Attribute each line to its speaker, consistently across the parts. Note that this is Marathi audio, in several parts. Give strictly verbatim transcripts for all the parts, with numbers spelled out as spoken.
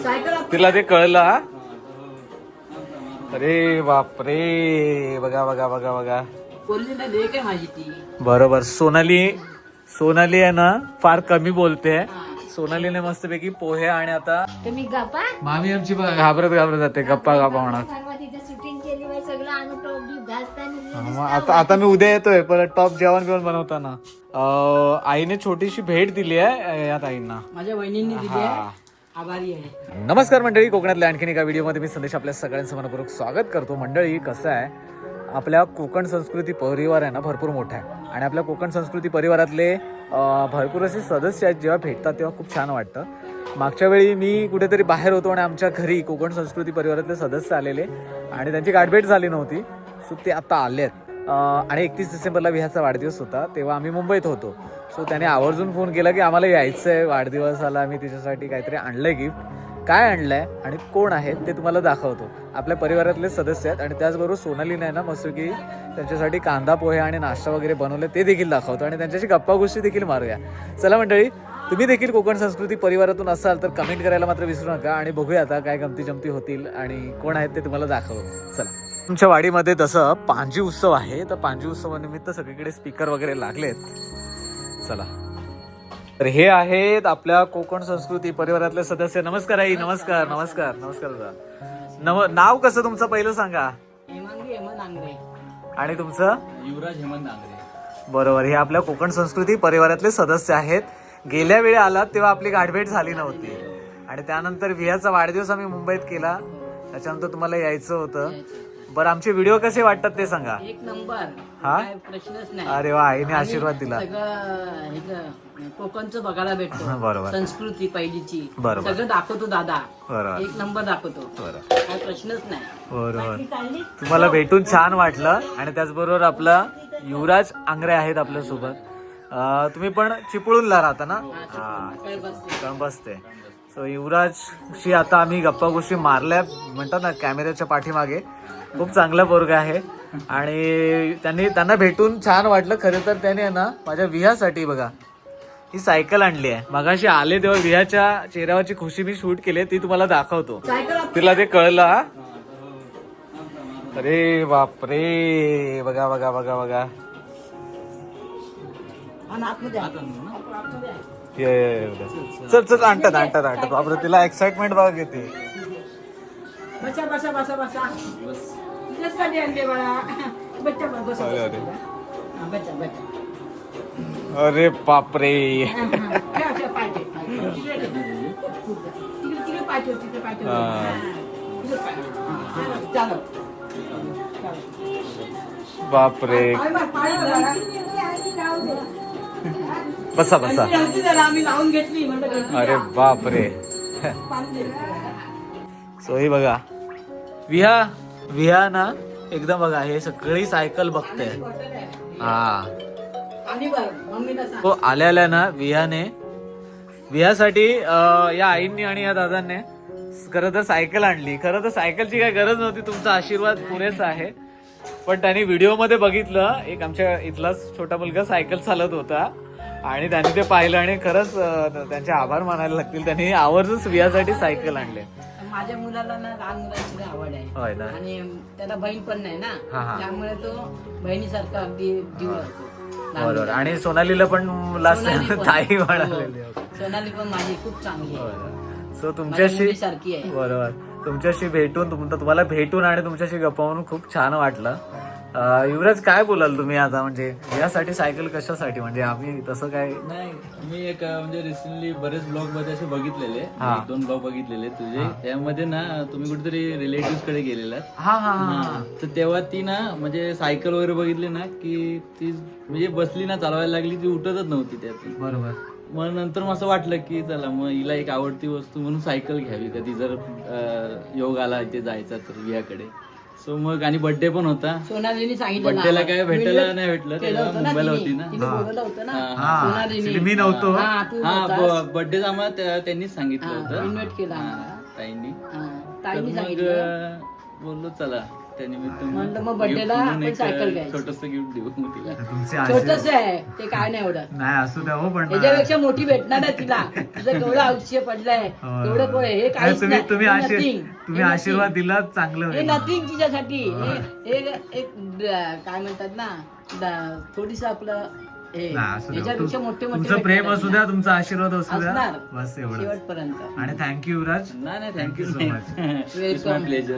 Speaker 1: तिला ते कळलं हा. अरे बापरे, बघा बघा बघा बघा. बरोबर. सोनाली सोनाली आहे ना फार कमी बोलते. सोनालीने मस्तपैकी पोहे आणि आता
Speaker 2: तुम्ही गप्पा
Speaker 1: मामी आमची बघा घाबरत घाबरत जाते गप्पा गप्पा म्हणत.
Speaker 2: शूटिंग केली बाई सगळं आणून टॉप बिप घासताना.
Speaker 1: मग आता आता मी उद्या येतोय परत टॉप जेवण बिवण बनवताना. अं, आईने छोटीशी भेट दिली आहे या ताईंना.
Speaker 3: माझ्या वहिनींनी दिली आहे, आभारी आहे.
Speaker 1: नमस्कार मंडळी, कोकणातल्या आणखीन एका व्हिडिओमध्ये मी संदेश आपल्या सगळ्यांचं मनपूर्वक स्वागत करतो. मंडळी कसं आहे, आपल्या कोकण संस्कृती परिवार आहे ना भरपूर मोठा आहे आणि आपल्या कोकण संस्कृती परिवारातले भरपूर असे सदस्य आहेत. जेव्हा भेटतात तेव्हा खूप छान वाटतं. मागच्या वेळी मी कुठेतरी बाहेर होतो आणि आमच्या घरी कोकण संस्कृती परिवारातले सदस्य आलेले आणि त्यांची गाठभेट झाली नव्हती. सो ते आता आले आहेत आणि एकतीस डिसेंबरला विहाचा वाढदिवस होता तेव्हा आम्ही मुंबईत होतो. सो त्याने आवर्जून फोन केला की आम्हाला यायचं आहे वाढदिवसाला. मी तिच्यासाठी काहीतरी आणलं आहे गिफ्ट. काय आणलं आहे आणि कोण आहेत ते तुम्हाला दाखवतो. आपल्या परिवारातले सदस्य आहेत आणि त्याचबरोबर सोनालीने आहे ना मस्त की त्यांच्यासाठी कांदा पोहे आणि नाश्ता वगैरे बनवले ते देखील दाखवतो आणि त्यांच्याशी गप्पा गोष्टी देखील मारूया. चला मंडळी, तुम्ही देखील कोकण संस्कृती परिवारातून असाल तर कमेंट करायला मात्र विसरू नका आणि बघूया आता काय गमती जमती होतील आणि कोण आहेत ते तुम्हाला दाखवतो. चला. तुमच्या वाडीमध्ये तसं पांजी उत्सव आहे, तर पांजी उत्सवानिमित्त सगळीकडे स्पीकर वगैरे लागलेत. चला. तर हे आहेत आपल्या कोकण संस्कृती परिवारातले सदस्य. नमस्कार आई. नमस्कार नमस्कार नमस्कार दादा. नव नाव कसं तुमचं पहिलं सांगा.
Speaker 3: हेमांगी हेमंत आंग्रे.
Speaker 1: आणि तुमचं?
Speaker 4: युवराज हेमंत आंग्रे.
Speaker 1: बरोबर. हे आपल्या कोकण संस्कृती परिवारातले सदस्य आहेत. गेल्या वेळी आलात तेव्हा आपली गाठभेट झाली नव्हती आणि त्यानंतर विहाचा वाढदिवस आम्ही मुंबईत केला, त्याच्यानंतर तुम्हाला यायचं होतं. बरं, आमचे व्हिडिओ कसे वाटतात ते सांगा.
Speaker 3: एक नंबर.
Speaker 1: हा?
Speaker 3: काय प्रश्नच नाही.
Speaker 1: अरे वा, आईने आशीर्वाद दिला.
Speaker 3: सगळं ह्याचं कोकणचं बघायला भेटतो.
Speaker 1: बरोबर.
Speaker 3: संस्कृती पहिलीची
Speaker 1: बरोबर.
Speaker 3: सगळं दाखवतो दादा.
Speaker 1: बरोबर.
Speaker 3: एक नंबर दाखवतो.
Speaker 1: बरोबर
Speaker 3: काय प्रश्नच नाही.
Speaker 1: बरोबर. तुम्हाला भेटून छान वाटलं आणि त्याचबरोबर आपला युवराज आंग्रे आहेत आपल्या सोबत. तुम्ही पण चिपळूणला राहता ना? हा, बसते. सो युवराजशी आता आम्ही गप्पा गोष्टी मारल्या म्हणतात ना कॅमेऱ्याच्या पाठीमागे. खूप चांगला पोरगा आहे आणि त्यांनी त्यांना भेटून छान वाटलं. खरं तर त्याने ना माझ्या विहासाठी बघा ही सायकल आणली आहे. मगाशी आले तेव्हा विहाच्या चेहऱ्यावरची खुशी मी शूट केली, ती तुम्हाला दाखवतो. तिला ते कळलं हा. अरे बापरे, बघा बघा बघा बघा. चल चल आणतात आणतात आणतात. बापरे, तिला एक्साइटमेंट बघा किती.
Speaker 3: बसा बसा बसा बसा. तुझ्यासाठी आणले बाळा. बच्चा बसा. हा, बच्चा बच्चा.
Speaker 1: अरे बापरे.
Speaker 3: तिकडे तिकडे पाठव तिकडे पाठव. चालो.
Speaker 1: बापरे. बसा बसा.
Speaker 3: आम्ही लावून घेतली.
Speaker 1: अरे बापरे. सो ही बघा विहा विहा ना एकदम बघा हे सगळी सायकल बघते. हा, तो आल्या आल्या ना विहाने विहासाठी या आईंनी आणि या दादांनी खरं तर सायकल आणली. खरं तर सायकलची काही गरज नव्हती, तुमचा आशीर्वाद पुरेसा आहे. पण त्यांनी व्हिडिओ मध्ये बघितलं, एक आमच्या इथलाच छोटा मुलगा सायकल चालत होता आणि त्यांनी ते पाहिलं आणि खरंच त्यांचे आभार मानायला लागतील. त्यांनी आवर्जून विहासाठी सायकल आणले.
Speaker 3: माझ्या मुलाला ना लहान मुलांची आवड आहे.
Speaker 1: होय ना.
Speaker 3: आणि त्याला बहीण पण नाही
Speaker 1: हा,
Speaker 3: ना,
Speaker 1: हा.
Speaker 3: त्यामुळे तो बहिणीसारखा अगदी जीव लागतो.
Speaker 1: बरोबर. आणि सोनालीला पण लास्ट ताई म्हणालेली.
Speaker 3: सोनाली पण माझी खूप चांगली आहे.
Speaker 1: सो तुमच्याशी
Speaker 3: सारखी आहे.
Speaker 1: बरोबर. तुमच्याशी भेटून तुम तुम्हाला भेटून आणि तुमच्याशी गप्पा म्हणून खूप छान वाटलं. युवराज, काय बोलाल तुम्ही आता, म्हणजे यासाठी सायकल कशासाठी, म्हणजे आम्ही तसं काय
Speaker 4: नाही, मी एक म्हणजे रिसेंटली बरेच ब्लॉग मध्ये असे बघितलेले,
Speaker 1: हा.
Speaker 4: एक दोन ब्लॉग बघितलेले तुझे. त्यामध्ये ना तुम्ही कुठेतरी रिलेटिव्ह कडे गेलेला.
Speaker 1: हा हा हा.
Speaker 4: तर तेव्हा ती ना म्हणजे सायकल वगैरे बघितली ना की ती म्हणजे बसली ना चालवायला लागली, ती उठतच नव्हती त्यातून.
Speaker 1: बरोबर.
Speaker 4: मग नंतर मग असं वाटलं की चला मग हिला एक आवडती वस्तू म्हणून सायकल घ्यावी, कधी जर अं, योग आला इथे जायचा तर विहाकडे. सो मग आणि बर्थडे पण होता.
Speaker 3: सोनालीने सांगितलं
Speaker 4: बर्थडेला काय भेटायला नाही भेटलं, तेव्हा मुंबईला होती ना.
Speaker 3: तिने बोलवलं होतं ना
Speaker 1: हा.
Speaker 3: सोनालीने.
Speaker 1: मी नव्हतो.
Speaker 3: हा, तू
Speaker 4: हा,
Speaker 3: नव्हतास.
Speaker 4: बर्थडे आम्हाला त्या- त्यांनीच सांगितलं
Speaker 3: हा,
Speaker 4: होतं.
Speaker 3: इन्व्हाइट केला
Speaker 4: हा,
Speaker 3: आम्हाला.
Speaker 4: ताईंनी.
Speaker 3: हा,
Speaker 4: तर
Speaker 3: ताईने
Speaker 4: मग
Speaker 3: सांगितलं.
Speaker 4: अं, बोललो चला त्यानिमित्त
Speaker 3: म्हणलं मग birthday ला आपण सायकल घ्यायची.
Speaker 4: छोटस गिफ्ट देऊ मग तिला.
Speaker 1: तुमचे
Speaker 3: छोटस
Speaker 1: आशीर्वाद
Speaker 3: आहे ते काय नाही एवढं
Speaker 1: नाही असू द्या हो पण
Speaker 3: त्याच्यापेक्षा मोठी भेटणार आहे तिला तुझं केवढं आयुष्य पडलंय
Speaker 1: होय.
Speaker 3: एवढं कोण आहे? हे
Speaker 1: नाही,
Speaker 3: काहीच
Speaker 1: तुम्ही
Speaker 3: नाही
Speaker 1: तुम्ही
Speaker 3: हे
Speaker 1: आशीर्-
Speaker 3: nothing.
Speaker 1: तुम्ही
Speaker 3: हे
Speaker 1: आशीर्वाद
Speaker 3: nothing.
Speaker 1: दिला चांगलं
Speaker 3: हे
Speaker 1: होईल.
Speaker 3: नथिंग तिच्यासाठी हे हे एक ड- काय म्हणतात ना ड- थोडीस आपलं हे
Speaker 1: नाही, असू द्या.
Speaker 3: याच्यापेक्षा
Speaker 1: तुम-
Speaker 3: मोठे मोठे
Speaker 1: तुमचं प्रेम
Speaker 3: भेटणार
Speaker 1: असू द्या तुमचा आशीर्वाद असू द्या
Speaker 3: असणार.
Speaker 1: बस एवढं
Speaker 3: शेवटपर्यंत
Speaker 1: आणि थँक्यू युवराज.
Speaker 4: नाही नाही
Speaker 1: Thank
Speaker 4: thank you
Speaker 1: you so much.
Speaker 4: It's my pleasure.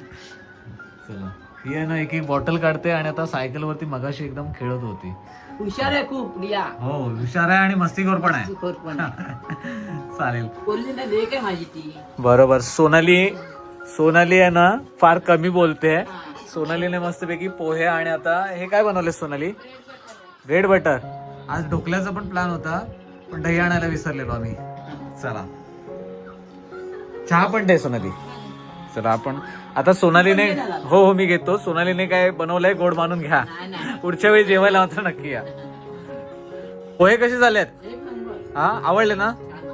Speaker 1: चला ही आहे ना एक एक बॉटल काढते आणि आता सायकल वरती मगाशी एकदम खेळत होती.
Speaker 3: हुशार आहे खूप रिया
Speaker 1: हो हुशार आहे आणि मस्तीखोर पण आहे.
Speaker 3: खोर पण
Speaker 1: चालेल
Speaker 3: बोलली ना लेक आहे माझी ती
Speaker 1: बरोबर. सोनाली सोनाली आहे ना फार कमी बोलते. सोनालीने मस्तपैकी पोहे आणि आता हे काय बनवले सोनाली? Bread butter. आज ढोकल्याचा पण प्लॅन होता पण दही आणायला विसरलेलो आम्ही. चला चहा पण दे सोनाली. चला आपण आता सोनालीने हो हो मी घेतो. सोनालीने काय बनवलंय गोड मानून घ्या.
Speaker 3: नाही नाही
Speaker 1: पुढच्या वेळी जेवायला मात्र नक्की या. पोहे कसे झालेत?
Speaker 3: एक नंबर
Speaker 1: हा आवडले ना?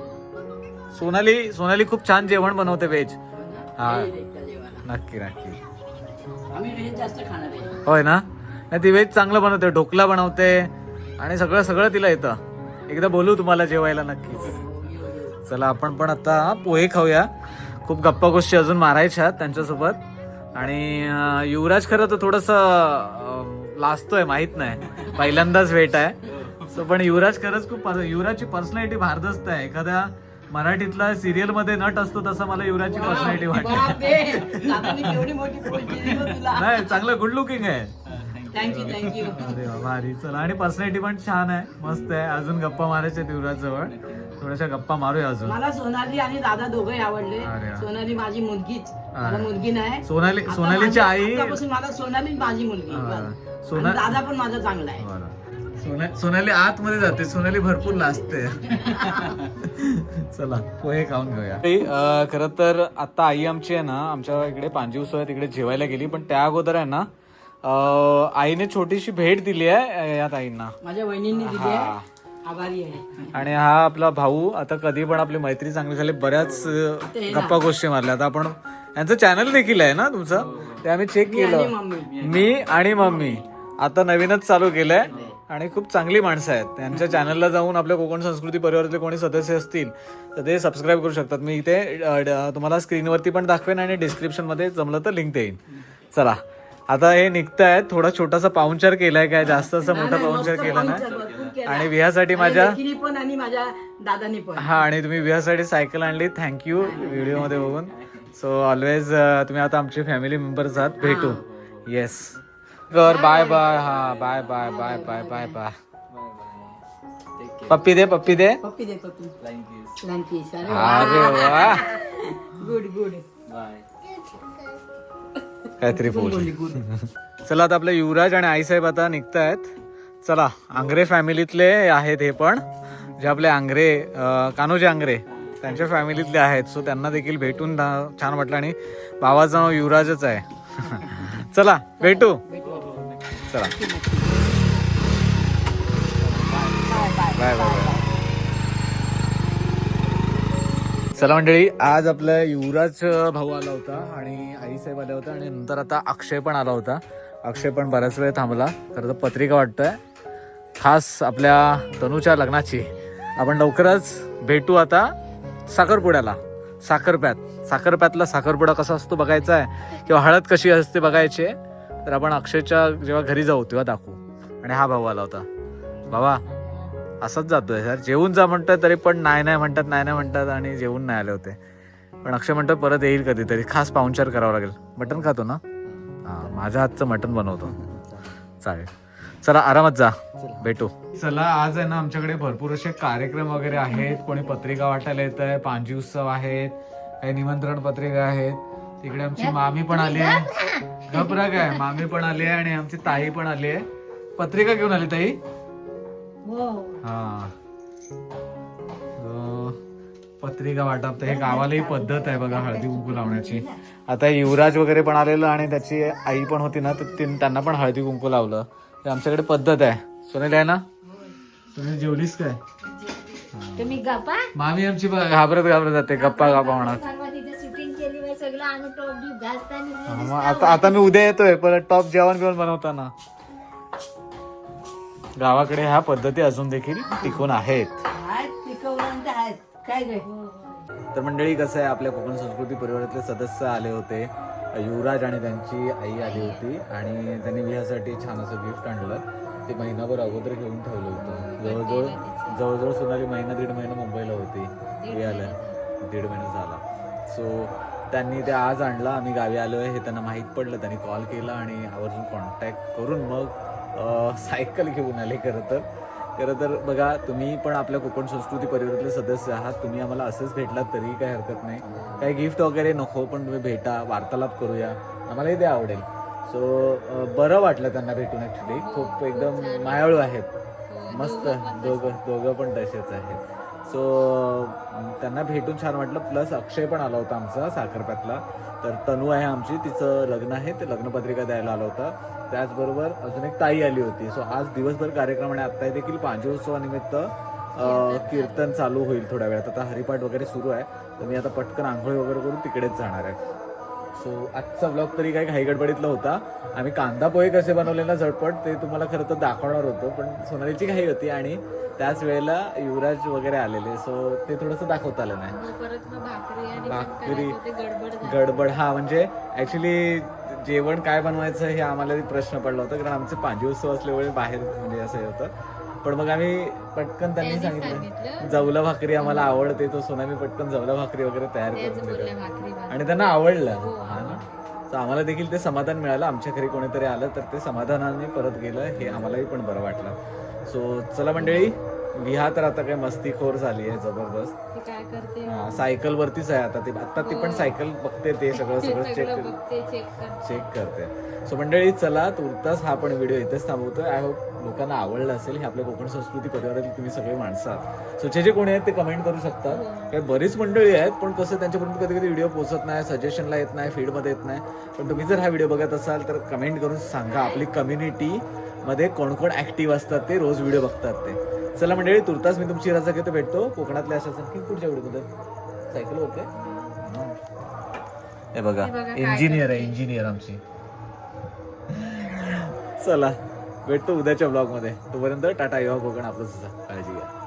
Speaker 1: सोनाली सोनाली खूप छान जेवण बनवते व्हेज. हा
Speaker 3: हे लेकच्या जेवायला.
Speaker 1: नक्की नक्की
Speaker 3: आम्ही व्हेज जास्त खाणार आहे
Speaker 1: होय ना. नाही ती व्हेज चांगलं बनवते. ढोकला बनवते आणि सगळं सगळं तिला येतं. एकदा बोलू तुम्हाला जेवायला नक्कीच. चला आपण पण आता पोहे खाऊया. खूप गप्पा गोष्टी अजून मारायच्या त्यांच्यासोबत. आणि अं, युवराज खरं तर थोडस लाजतोय माहित नाही पहिल्यांदाच भेट आहे. सो पण युवराज खरंच खूप पर- युवराजची पर्सनॅलिटी भारदस्त आहे. एखाद्या मराठीतला सिरियल मध्ये नट असतो तसं मला युवराजची पर्सनॅलिटी वाटते.
Speaker 3: बापरे, दादाने केवढी मोठी पोस्ट दिली हो तुला.
Speaker 1: नाही चांगलं गुड लुकिंग आहे.
Speaker 3: थँक्यू थँक्यू
Speaker 1: अरे वा, भारी. चला आणि पर्सनॅलिटी पण छान आहे मस्त आहे. अजून गप्पा मारायच्या युवराज जवळ. थोड्याशा गप्पा मारूया अजून.
Speaker 3: मला सोनाली आणि दादा दोघंही आवडले.
Speaker 1: अरे वा.
Speaker 3: सोनाली माझी मुलगीच मला मुलगी नाही.
Speaker 1: सोनाली
Speaker 3: आता
Speaker 1: सोनालीची
Speaker 3: माझी-
Speaker 1: आई
Speaker 3: आतापासून मला सोनाली माझी मुलगी
Speaker 1: हा.
Speaker 3: बस.
Speaker 1: सोना-
Speaker 3: आणि दादा पण माझा चांगला आहे.
Speaker 1: बरं. सोना- सोनाली आतमध्ये जाते. सोनाली भरपूर लाजते. चला पोहे खाऊन घेऊया. खर तर आता आई आमची आहे ना आमच्या इकडे पांजीव आहे तिकडे जेवायला गेली. पण त्या अगोदर आहे ना अं, आईने छोटीशी भेट दिली आहे या ताईंना.
Speaker 3: माझ्या वहिनींनी दिली
Speaker 1: हा.
Speaker 3: आहे. आभारी आहे.
Speaker 1: आणि हा आपला भाऊ. आता कधी पण आपली मैत्री चांगली झाली बऱ्याच अं, गप्पा गोष्टी मारल्या. आता आपण यांचं चॅनल देखील आहे ना तुमचं ते आम्ही चेक
Speaker 3: मी आणि
Speaker 1: केलं.
Speaker 3: मम्मी
Speaker 1: मी आणि मम्मी आता नवीनच चालू केलंय आणि खूप चांगली माणसं आहेत. त्यांच्या चॅनलला जाऊन आपल्या कोकण संस्कृती परिवारातले कोणी सदस्य असतील तर ते सबस्क्राईब करू शकतात. मी इथे अ, ड- तुम्हाला स्क्रीनवरती पण दाखवेन आणि डिस्क्रिप्शन मध्ये जमलं तर लिंक देईन. चला आता हे निघतायत. थोडा छोटासा पाहुणचार केलाय काय जास्त असं मोठा पाहुणचार केला नाही. आणि विहासाठी माझ्या
Speaker 3: पण आणि माझ्या दादानी पण
Speaker 1: हा आणि तुम्ही विहासाठी सायकल आणली. थँक्यू व्हिडिओ मध्ये बघून. सो ऑलवेज तुम्ही आता आमचे फॅमिली मेंबर्स आहात. भेटू. येस कर बाय बाय. हा bye bye bye bye bye bye. पप्पी दे पप्पी दे.
Speaker 3: पप्पी दे पप्पी
Speaker 4: थँक्यू.
Speaker 3: लंकीस. अरे
Speaker 1: अरे वा
Speaker 3: गुड गुड
Speaker 4: बाय.
Speaker 1: काहीतरी बोल. चला आता आपले युवराज आणि आईसाहेब आता निघतायत. चला आंग्रे फॅमिलीतले आहेत हे पण जे आपले आंग्रे अं, कान्होजी आंग्रे त्यांच्या फॅमिलीतले आहेत. सो त्यांना देखील भेटून दा- छान वाटलं. आणि भावाचं नाव युवराजच आहे. चला भेटू. चला बाय बाय बाय. चला मंडळी आज आपला युवराज भाऊ आला होता आणि आईसाहेब आल्या होत्या आणि नंतर आता अक्षय पण आला होता. अक्षय पण बराच वेळ थांबला. खरं तर पत्रिका वाटतोय खास आपल्या तनूच्या लग्नाची. आपण लवकरच भेटू आता साखरपुड्याला. साखरप्यात साखरप्यातला साखरपुडा कसा असतो बघायचा आहे किंवा हळद कशी असते बघायची आहे तर आपण अक्षयच्या जेव्हा घरी जाऊ तेव्हा दाखवू. आणि हा भाऊ आला होता. बाबा असंच जातोय सर जेवून जा म्हणतोय तरी पण नाही नाही म्हणतात नाही नाही म्हणतात आणि जेवून नाही आले होते. पण अक्षय म्हणतो परत येईल कधीतरी. खास पाहुणचार करावा लागेल. मटण खातो ना. हां माझ्या हातचं मटण बनवतो. चालेल चला आरामात जा. भेटू. चला आज आहे ना आमच्याकडे भरपूर असे कार्यक्रम वगैरे आहेत. कोणी पत्रिका वाटायला येत आहे. पांजी उत्सव आहेत. काही निमंत्रण पत्रिका आहेत. तिकडे आमची मामी पण आली आहे. घबरा काय मामी पण आली आहे आणि आमची ताई पण आली आहे. पत्रिका घेऊन आली ताई. हा अं, पत्रिका वाटप हे गावालाही पद्धत आहे बघा हळदी कुंकू लावण्याची. आता युवराज वगैरे पण आलेलं आणि त्याची आई पण होती ना तर त्यांना पण हळदी कुंकू लावलं. हे आमच्याकडे पद्धत आहे. सोनेली आहे ना. तुम्ही जेवलीस काय?
Speaker 2: तुम्ही गप्पा
Speaker 1: मामी आमची बघा घाबरत घाबरत जाते गप्पा गप्पा म्हणत.
Speaker 2: परवा तिथे शूटिंग केली बाई सगळं आणून टॉप बीप घासताना
Speaker 1: हा, मग आता आता मी उद्या येतोय परत टॉप जेवण बिवण बनवताना. गावाकडे ह्या पद्धती अजून देखील टिकून आहेत.
Speaker 3: आहेत पिकवलं आहेत काय काय
Speaker 1: तर मंडळी कसं आहे, आपल्या कोकण संस्कृती परिवारातले सदस्य आले होते. युवराज आणि त्यांची आई आली होती आणि त्यांनी विहासाठी छान असं गिफ्ट आणलं. ते महिनाभर अगोदर घेऊन ठेवलं होतं. जवळजवळ जवळजवळ सोनाली महिना दीड महिना मुंबईला होती. विहायला दीड महिना झाला. सो त्यांनी ते आज आणलं. आम्ही गावी आलो आहे हे त्यांना माहीत पडलं. त्यांनी कॉल केला आणि आवर्जून कॉन्टॅक्ट करून मग अं, सायकल घेऊन आले. खरं तर खरं तर बघा, तुम्ही पण आपल्या कोकण संस्कृती परिवारातले सदस्य आहात. तुम्ही आम्हाला असंच भेटलात तरी काही हरकत नाही. काही गिफ्ट वगैरे नको, पण तुम्ही भेटा, वार्तालाप करूया, आम्हालाही ते आवडेल. सो बरं वाटलं त्यांना भेटून. ॲक्च्युली खूप एकदम मायाळू आहेत. मस्त दोघं दोघं पण तसेच आहेत. सो त्यांना भेटून छान वाटलं. प्लस अक्षय पण आला होता आमचा साखरप्यातला. तर तनू आहे आमची, तिचं लग्न आहे, ते लग्नपत्रिका द्यायला आला होता. त्याचबरोबर अजून एक ताई आली होती. सो आज दिवसभर कार्यक्रम आणि आत्ता देखील पांचोत्सवानिमित्त कीर्तन चालू होईल थोड्या वेळात. आता हरिपाठ वगैरे सुरू आहे. तर मी आता पटकन आंघोळी वगैरे करून तिकडेच जाणार आहे. सो आजचा ब्लॉग तरी काही घाई गडबडीतला होता. आम्ही कांदा पोहे कसे बनवले ना झटपट, ते तुम्हाला खरं तर दाखवणार होतो, पण सोनालीची घाई होती आणि त्याच वेळेला युवराज वगैरे आलेले. सो ते थोडंसं दाखवता आलं नाही.
Speaker 2: परत मग भाकरी आणि
Speaker 1: भाकरी
Speaker 2: गडबड झाली.
Speaker 1: गडबड हा म्हणजे ऍक्च्युली जेवण काय बनवायचं हे आम्हाला प्रश्न पडला होता, कारण आमचे पांचोत्सव असल्यामुळे बाहेर म्हणजे असं हे होतं. पण मग आम्ही पटकन त्यांनी सांगितलं जवला भाकरी आम्हाला आवडते, तो सोनाली पटकन जवला भाकरी वगैरे तयार करून दिली आणि त्यांना आवडलं. हा ना, तर आम्हाला देखील ते समाधान मिळालं. आमच्या घरी कोणीतरी आलं तर ते समाधानाने परत गेलं, हे आम्हालाही पण बरं वाटलं. सो चला मंडळी, विहा तर आता काही मस्तीखोर झाली आहे जबरदस्त.
Speaker 2: काय करते
Speaker 1: हा, सायकल वरतीच आहे आता ती. आता ती पण सायकल बघते, ते सगळं सगळं चेक
Speaker 2: बघते, चेक करते.
Speaker 1: चेक करते. सो मंडळी चला, तुर्तास हा पण व्हिडिओ इथेच थांबवतोय. आय होप लोकांना आवडलं असेल. हे आपल्या कोकण संस्कृती परिवारातील तुम्ही सगळे माणसं आहात. सो जे जे कोणी आहेत ते कमेंट करू शकतात. काही बरीच मंडळी आहेत, पण कसं त्यांच्यापर्यंत कधी कधी व्हिडिओ पोहोचत नाही, सजेशनला येत नाही, फीडमध्ये येत नाही. पण तुम्ही जर हा व्हिडिओ बघत असाल तर कमेंट करून सांगा आपली कम्युनिटी मध्ये कोण कोण ऍक्टिव्ह असतात, ते रोज व्हिडिओ बघतात ते. चला मंडळी, तुर्तास मी तुमची रजा घेतो. भेटतो कोकणातल्या अशाच आणखी पुढच्या व्हिडिओमध्ये. Cycle okay. हे बघा, इंजिनियर आहे, इंजिनियर आमची. चला भेटतो उद्याच्या ब्लॉग मध्ये. तोपर्यंत टाटा, युवा कोकण आपलं सुद्धा. काळजी घ्या.